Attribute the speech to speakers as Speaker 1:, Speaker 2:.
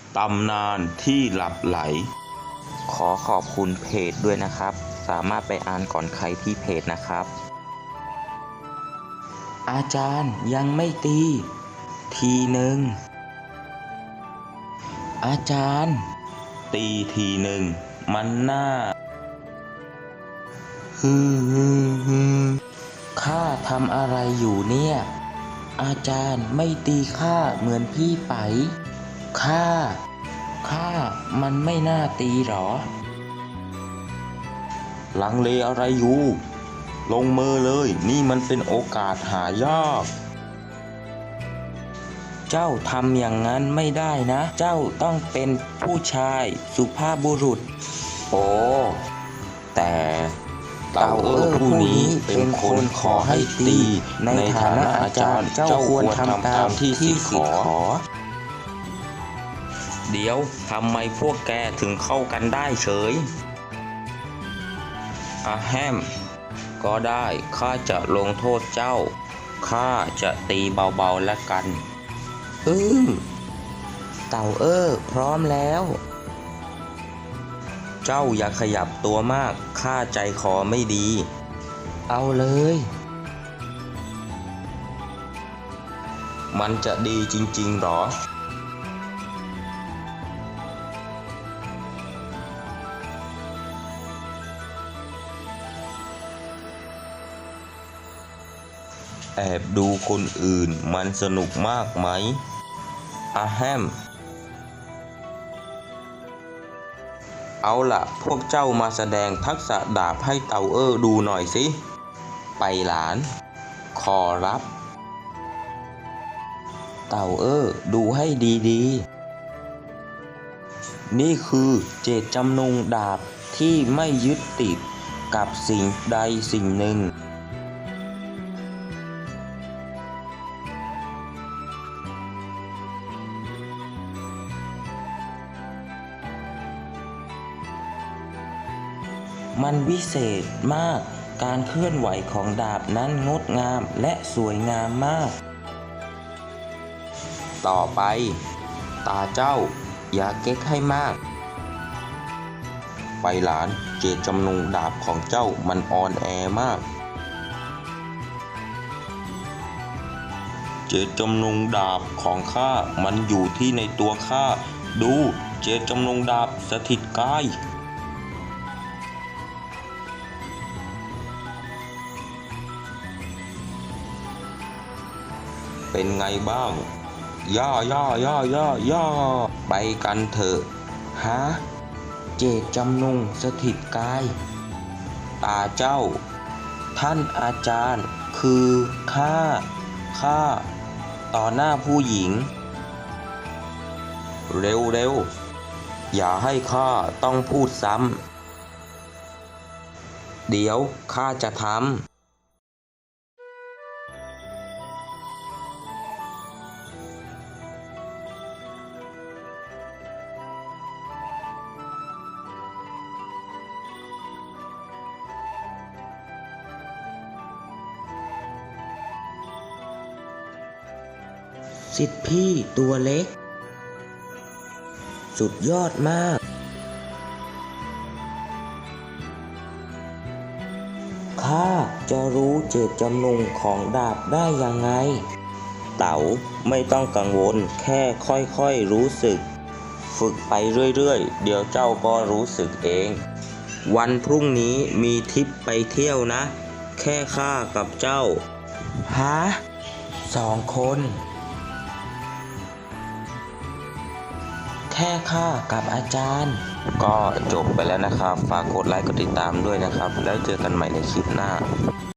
Speaker 1: ตำนานที่หลับไหล
Speaker 2: ขอขอบคุณเพจด้วยนะครับสามารถไปอ่านก่อนใครที่เพจนะครับอาจารย์ยังไม่ตีทีหนึ่งอาจารย์
Speaker 1: ตีทีหนึ่งมันน่า
Speaker 2: ข้าทำอะไรอยู่เนี่ยอาจารย์ไม่ตีข้าเหมือนพี่ไปข้ามันไม่น่าตีหรอ
Speaker 1: ลังเลอะไรอยู่ลงมือเลยนี่มันเป็นโอกาสหายาก
Speaker 2: เจ้าทำอย่างนั้นไม่ได้นะเจ้าต้องเป็นผู้ชายสุภาพบุรุษ
Speaker 1: โอ้แต่เต่าผู้นี้เป็นคนขอให้ตีในฐานะอาจารย์เจ้าควรทำตามที่สิทธิ์ขอ
Speaker 2: เดี๋ยวทำไมพวกแกถึงเข้ากันได้เฉยอาแฮมก็ได้ข้าจะลงโทษเจ้าข้าจะตีเบาๆแล้วกันเต่าพร้อมแล้วเจ้าอย่าขยับตัวมากข้าใจคอไม่ดีเอาเลย
Speaker 1: มันจะดีจริงๆหรอแอบดูคนอื่นมันสนุกมากไหมอาแฮมเอาล่ะพวกเจ้ามาแสดงทักษะดาบให้เต่าดูหน่อยสิไปหลานขอรับ
Speaker 2: เต่าดูให้ดีๆนี่คือเจตจำนงดาบที่ไม่ยึดติดกับสิ่งใดสิ่งหนึ่งมันวิเศษมากการเคลื่อนไหวของดาบนั้นงดงามและสวยงามมาก
Speaker 1: ต่อไปตาเจ้าอย่าเก๊กให้มากไปหลานเจตจำนงดาบของเจ้ามันอ่อนแอมากเจตจำนงดาบของข้ามันอยู่ที่ในตัวข้าดูเจตจำนงดาบสถิตกายเป็นไงบ้างย่อไปกันเถอะ
Speaker 2: ฮะเจตจำนงสถิตกาย
Speaker 1: ตาเจ้า
Speaker 2: ท่านอาจารย์คือข้าต่อหน้าผู้หญิง
Speaker 1: เร็วอย่าให้ข้าต้องพูดซ้ำ
Speaker 2: เดี๋ยวข้าจะทำสิทธิพี่ตัวเล็กสุดยอดมากข้าจะรู้เจตจำนงของดาบได้ยังไงเต๋าไม่ต้องกังวลแค่ค่อยๆรู้สึกฝึกไปเรื่อยๆเดี๋ยวเจ้าก็รู้สึกเองวันพรุ่งนี้มีทริปไปเที่ยวนะแค่ข้ากับเจ้าฮะ2 คนแค่ข้ากับอาจารย์
Speaker 1: ก็จบไปแล้วนะครับฝากกดไลค์กดติดตามด้วยนะครับแล้วเจอกันใหม่ในคลิปหน้า